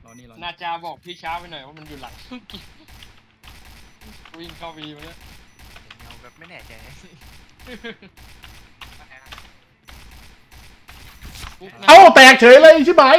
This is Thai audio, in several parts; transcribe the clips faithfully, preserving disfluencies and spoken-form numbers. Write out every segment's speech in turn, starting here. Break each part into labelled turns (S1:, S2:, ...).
S1: รอนี่รอ
S2: นาจาบอกพี่ช้าไปหน่อยว่ามันอยู่หลังวิ่งเข้าวีมาเนี่ย
S3: เงาแบบไม่แน่ใจ
S4: เอ้าแตกเฉยเลยใช่ไหม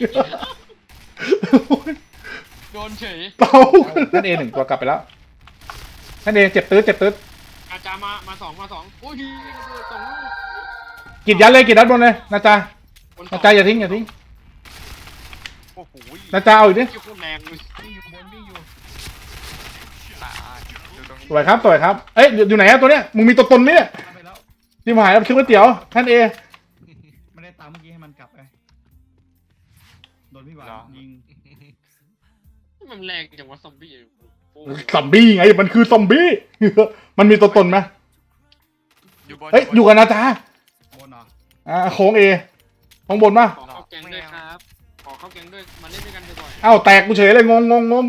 S2: โดนเฉย
S4: เต้าท่านเอหนึ่งตัวกลับไปแล้วท่านเอเจ็บตื้อเจ็บตื้อ
S2: นาจามามาสองมาสองโอ้ยสองลูก
S4: กิดยัดเลยกิดยัดบนเลยนาจานาจาอย่าทิ้งอย่าทิ้ง
S3: โอ้โห
S4: นาจาเอาอีกดิ
S2: เกี่ยวกับแรงเลย
S1: วิ่งอยู่บนวิ่งอยู่
S3: ตายดูตรงนี้
S4: สวยครับสวยครับเอ้ยอยู่ไหนอะตัวเนี้ยมึงมีตัวตนไหมเนี่ย
S1: ไปแล้ว
S4: ที่มาหายแล้วชื่อก๋วยเตี๋ยวท่านเอ
S1: ไม่ได้ตามเมื่อกี้ให้มันกลับไปโดนพี่หวานยิง
S2: มันแรงจังวะซอมบี้โอ้โห
S4: ซอมบี้ไงมันคือซอมบี้ มันมีตัวตนไหม
S3: อยู่บน
S4: เฮ้ยอยู่กับนาจา
S1: บนเหรอ
S4: อ่าโค้งเอข้างบนป่ะ
S2: ขอเข้าแกงด้วยครับขอเข้าแกงด้วยมาเล่นด้วยกันบ่อย
S4: เอ้าแตกกูเฉยเลยงงงงงง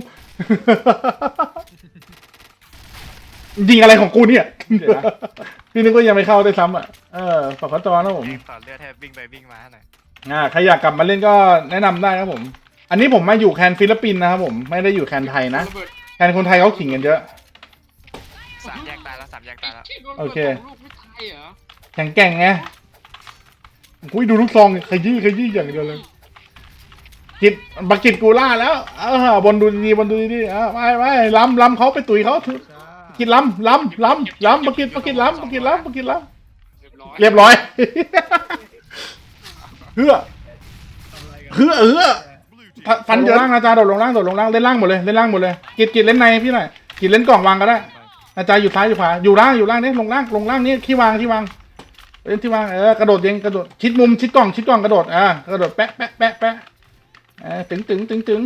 S4: ยิงอะไรของกูเนี่ยพี่นึกว่ายังไม่เข้าได้ซ้ำอ่ะเออฝากขอจอนะผม
S3: แรงต่อเลือดแทบวิ่งไปวิ่งมาหน่อย
S4: อ่าใครอยากกลับมาเล่นก็แนะนำได้ครับผม อันนี้ผมมาอยู่แคนฟิลิปปินส์นะครับผมไม่ได้อยู่แคนไทยนะ
S2: ระเบิด
S4: แคนคนไทยเขาขิงกันเยอะ
S3: สามแยกตายแล้วสามแยกตายแล้ว
S4: โอเค
S2: ลูกไม่ตายเหรอ
S4: แข็งแกร่งไงอุ้ยดูลูกซองขยี้ขยี้อย่างเดียวเลยกิดบักกิดกูล่าแล้วเออบนดูดีบนดูดีอ่าไม่ไม่ล้ำล้ำเขาไปตุ๋ยเขา
S1: จ้า
S4: กินล้ำล้ำล้ำล้ำบักกิดบักกิดล้ำบักกิดล้ำบักกิดล้
S2: เรียบร้อย
S4: ำเรียบร้อย เฮือ
S1: ทำอะไรกัน
S4: เฮือเฮือฟันเยอะล่างอาจารย์โดดลงล่างโดดลงล่างเล่นล่างหมดเลยเล่นล่างหมดเลยกิดกิดเล่นในพี่หน่อยกิดเล่นกล่องวางก็ได้อาจารย์อยู่ซ้ายอยู่ขวาอยู่ล่างอยู่ล่างนี่ลงล่างลงล่างนี่ที่วางที่วางเล่นที่วางเออกระโดดเองกระโดดชิดมุมชิดกล่องชิดกล่องกระโดดอ่ากระโดดแปะแปะแปะแปะเออตึงตึงตึงตึง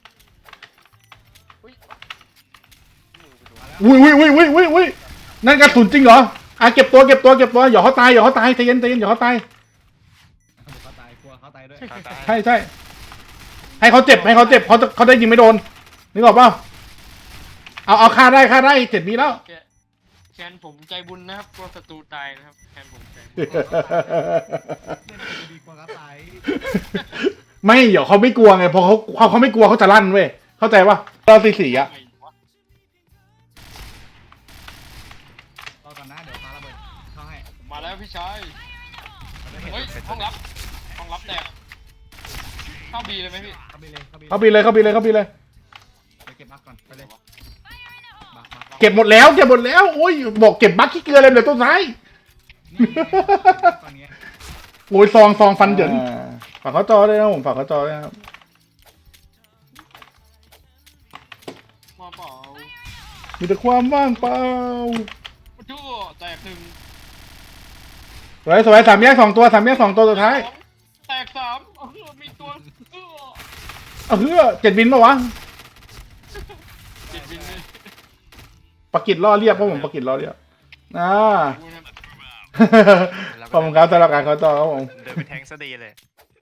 S4: อุ้ยอุ้ยอุ้ยอุ้ยอุ้ยอุ้ยนั่นกระสุนจริงเหรออ่ะเก็บตัวเก็บตัวเก็บตัวอย่าเขาตายอย่าเขาตายใจเย็นใจเย็นอย่าเขาตาย
S1: เขาตายกลัวเขาตายด้วย
S3: ตายตาย
S4: ใช่ใช่ให้เขาเจ็บให้เขาเจ็บเขาจะเขาได้ยิงไม่โดนนึกออกเปล่าเอาเอาฆ่าได้ฆ่าได้เจ็ดมีแล้ว
S2: แคนผมใจบุญนะครับกลัวศัตรูตายนะครับแคนผมใจบุญ
S1: เล่นดีกว่าเขาตาย
S4: ไม่เดี๋ยวเขาไม่กลัวไงพอเขาเขาเขาไม่กลัวเขาจะลั่นเว้ยเข้าใจป่ะเราสีสีอะ
S2: ไงวะ
S1: รอก่อนนะเดี๋ยวปาระเบิดเข้าให้
S2: ผมมาแล้วพี่ชาย
S3: ไม่เห็น
S2: เฮ้ย
S3: เป็น
S2: ห้องรับห้องรับแตกเข้าบีเลยไหมพี่
S1: เข้าไปเลยเข้าไป
S4: เขาบีเลยเขาบีเลยเขาบีเลย
S1: ไปเก็บบักก่อนไปเลยบักบัก
S4: เก็บหมดแล้วเก็บหมดแล้วโอ้ยบอกเก็บบัคขี้เกลือเลยเหลือต้นไม้
S1: นี่ตอนนี้
S4: โอ้ยซองซองฟันเหยินฝากเขาจอด้วยนะผมฝากเขาจอด้วยนะครับ
S2: มาเปล่า
S4: มีแต่ความว่างเปล่า
S2: ชั่วแตกหนึ่ง
S4: สวยสวยสามแยกสองตัวสามแยกสองตัวสุดท้าย
S2: แตกสามเออมีตัวเออ
S4: เอาเฮ้อเจ็ดบินปะวะ
S2: เจ็ดบินเลย
S4: ปากกิดล่อเรียบเพราะผมปากกิดล่อเรียบอ่า
S2: ดูนะครับ
S4: ขอบคุณครับสำหรับการเขาจอครับผม
S3: เดินไปแทงซะดีเลย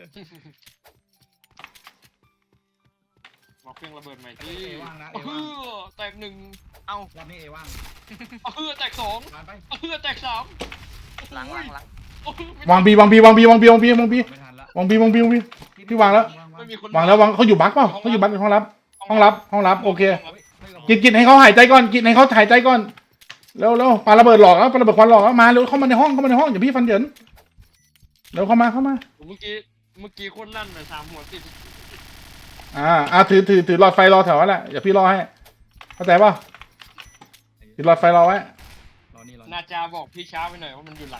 S2: บอกเครื่องระเบิดใหม่ที่
S1: เอว่างนะเอ
S2: เอ
S1: ว่าง
S2: อแตกหนึ่ง
S3: เอ้าร
S1: อบนี้เอว่าง
S2: เออแตกสอง
S1: ผ่านไป
S2: เออแตกสาม
S3: ล้างล้างล้าง
S2: โอ้ยไม่
S4: วางบีวางบีวางบีวางบีวางบีวางบี
S1: ไม่ทันละ
S4: วางบีวางบีวางบี พี่วางแล้ว
S2: ไม่มีคน
S4: วางแล้ววางเขาอยู่บักเปล่าเขาอยู่บักในห้องรับ ห้องรับห้องรับโอเค
S1: ไม่กับ
S4: กินกินให้เขาหายใจก่อนกินให้เขาหายใจก่อนเร็วเร็วปาระเบิดหลอกแล้วปาระเบิดควันหลอกแล้วมาเร็วเข้ามาในห้องเข้ามาในห้องอย่าพี่ฟันเหยินเร็วเข้ามาเข้ามา
S2: เมื่อกี้เมื่อกี้โคนลั่นเลยสามหัวติด
S4: อ่าอ่าถือถือถือหลอดไฟรอแถวนั้นแหละอย่าพี่รอให้เข้าใจป่ะถือหลอดไฟรอไว้
S1: รอนี่รอ
S2: นาจาบอกพี่ช้าไปหน่อยว่ามันอยู่หลัง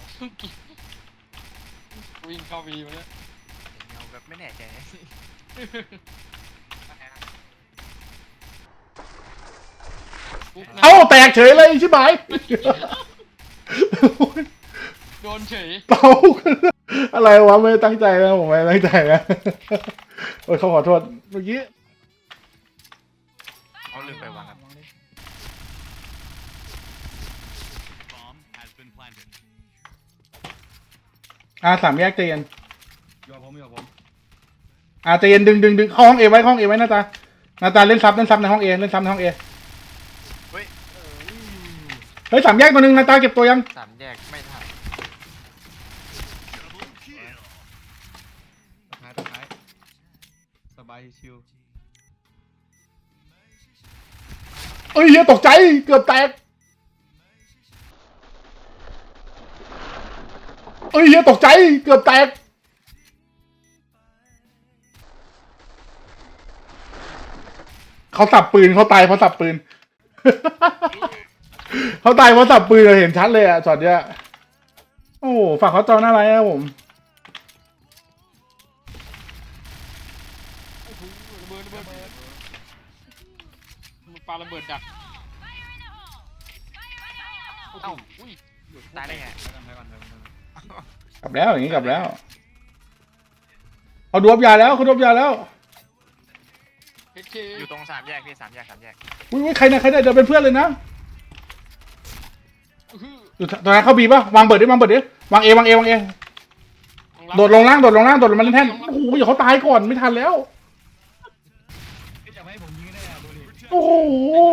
S2: วิ่งเข้าวีมาเนี่ย
S3: เงาแบบไม่แน่ใจ
S4: เอ้าแตกเฉยเลยใช่ไหม
S2: โดนเฉย
S4: เต้าอะไรวะไม่ได้ตั้งใจนะผมไม่ได้ตั้งใจนะโอ้ยเขาขอโทษเมื่อกี้
S3: เขาลืมไปวางครับ
S1: เลย
S4: อ่าสามแยกใจเย็น
S1: อยู่กับผมอยู่กับผม
S4: อ่าใจเย็นดึงดึงดึงเข้าห้องเอไว้ห้องเอไว้หน้าตาหน้าตาเล่นซับเล่นซับในห้องเอเล่นซับในห้องเอ
S3: เฮ้ย
S4: เฮ้ยสามแยกตัวหนึ่งหน้าตาเก็บตัวยัง
S3: สามแยกไม่ทัน
S1: สุดท้ายสุดท้ายสบายชิว
S4: เอ้ยเฮียตกใจเกือบแตกเอ้ยเฮียตกใจเกือบแตกเขาสับปืนเขาตายเพราะสับปืน เขาตายเพราะสับปืนเราเห็นชัดเลยอะช็อตเนี้ยโอ้โหฝั่งเขาจอหน้าไรนะผม
S2: โอ้โหระเบิดระเบิดมันปาระเบิดดักโอ้โหอุ้ย
S3: ตายได้ไง
S1: ไปก่อนไปก่อนไปก่อน
S4: กลับแล้วอย่างนี้กลับแล้วเขาดวบยาแล้วเขาดวบยาแล้ว
S2: เฮดเค
S3: อยู่ตรงสามแยกพี่สามแยกสามแยก
S4: อุ้ยใครนะใครนะเดี๋ยวเป็นเพื่อนเลยนะ
S2: อื้อหือ
S4: อยู่ตรงนั้นเขาบีป่ะวางเบิดดิวางเบิดดิวางเอวางเอวางเอโดดลงล่างโดดลงล่างโดดลงมาเล่นแท่นโอ้โหอย่าเขาตายก่อนไม่ทันแล้ว
S1: พี่จะไม่ให้ผมยิงได้อะดูดิ
S4: โอ้โห